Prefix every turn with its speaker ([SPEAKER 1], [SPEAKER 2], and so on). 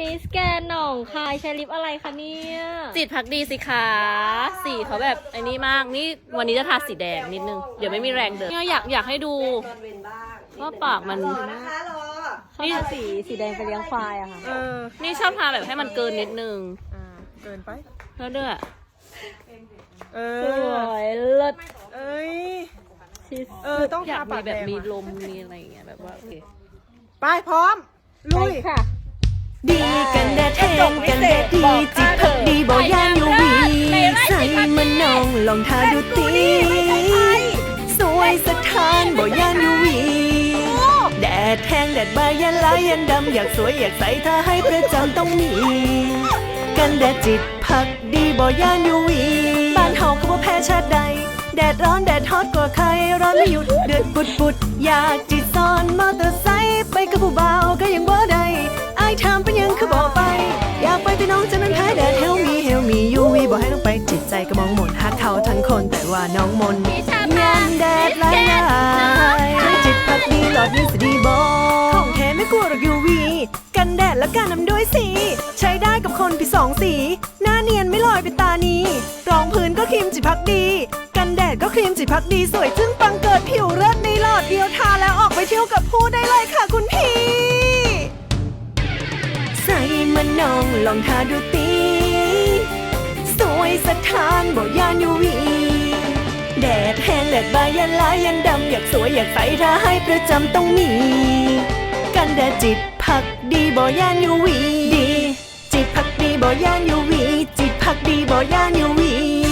[SPEAKER 1] มิสแกนหนองคายใช้ลิปอะไรคะเนี่ย
[SPEAKER 2] จิตพักดีสิคะสีเขาแบบไอ้นี่มากนี่วันนี้จะทาสีแดงนิดนึงเดี๋ยวไม่มีแรงเดินเนี่ยอยากให้ดูว่าปากมัน
[SPEAKER 1] นี่สีแดงไปเลี้ยงควายอะค่ะ
[SPEAKER 2] นี่ชอบทาแบบให้มันเกินนิดนึง
[SPEAKER 3] เกินไป
[SPEAKER 2] แล้วเด้อ
[SPEAKER 1] สวยเลิศ
[SPEAKER 3] ต้องทาปาก
[SPEAKER 2] แบบมีลมมีอะไรอย่างเงี้ยแบบว่าโอเค
[SPEAKER 3] ไปพร้อมลุย
[SPEAKER 1] ค่ะ
[SPEAKER 4] ดีกันแดดแห้งกันแดดดีจิตพักดีบ่ย่านยูวีใส่มันนองลองทาดูตีสวยสถานบ่ย่านยูวีแดดแห้งแดดบายยันลายยันดำอยากสวยอยากใส่ถ้าให้ประจำต้องมีกันแดดจิตพักดีบ่ย่านยูวีบ้านเฮาก็บ่แพ้ชาติใดแดดร้อนแดดฮอตกว่าใครร้อนไม่หยุดเดือดปุดอยากจิตซ้อนมอเตอร์ไซค์ไปกับผู้บ่าวก็ยังบ่ได้อายถามเป็นยังคือบอกไปอยากไปพี่น้องจะนั้นแพ้แดดเฮลมียูวีบอกให้น้องไปจิตใจก็มองหมนฮักเขาทั้งคนแต่ว่าน้องมนยันแดดลายจิตพักดีหลอดยิ่งสดีบอของแท้ไม่กลัวหรอกยูวีกันแดดและการนำด้วยสีใช้ได้กับคนพี่สองสีหน้าเนียนไม่ลอยเป็นตานีรองพื้นก็ครีมจิตพักดีกันแดดก็ครีมจิตพักดีสวยจึ้งปังเกิดผิวเลิศในหลอดเดียวทาแล้วออกไปเที่ยวกับผู้ได้เลยค่ะคุณพี่ใส่มันนองลองทาดูตีสวยสถานบ่ย่านยูวีแดดแห้งแดดบายยันลายยันดำอยากสวยอยากใส่ถ้าให้ประจำต้องมีกันแดดจิตพักดีบ่ย่านยูวีดีจิตพักดีบ่ย่านยูวีจิตพักดีบ่ย่านยูวี